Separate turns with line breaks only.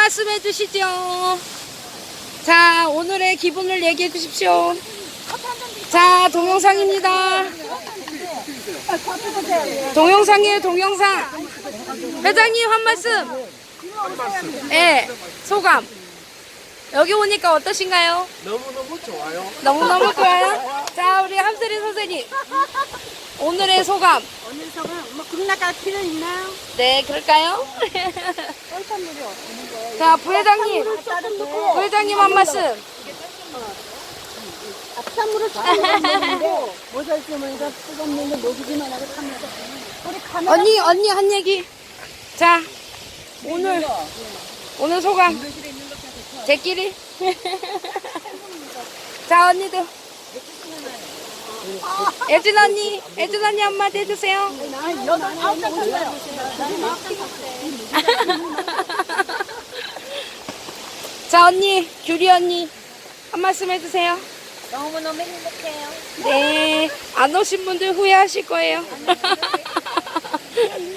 말씀 해주시죠. 자, 오늘의 기분을 얘기해 주십시오. 자, 동영상입니다. 동영상이에요, 동영상. 회장님, 한 말씀. 네, 소감. 여기 오니까 어떠신가요?
너무너무 좋아요.
너무너무 좋아요. 자, 우리 함세리 선생님. 오늘의 소감.
오늘 소감 뭐 국나갈 필요 있나요?
네, 그럴까요?
뻘판물이 없는 거예요.
자, 부회장님. 부회장님 한 말씀.
앞산물을 잘 먹는데 모자를 쓰면서 뜨겁는데 녹이기만 하고 타면서 우리 카메라
언니 한 얘기. 자, 오늘 소감. 제끼리. 자, 언니도. 애준 언니 한마디 해주세요. 자, 언니, 규리 언니 한 말씀 해주세요.
너무너무 행복해요.
네, 안 오신 분들 후회하실 거예요.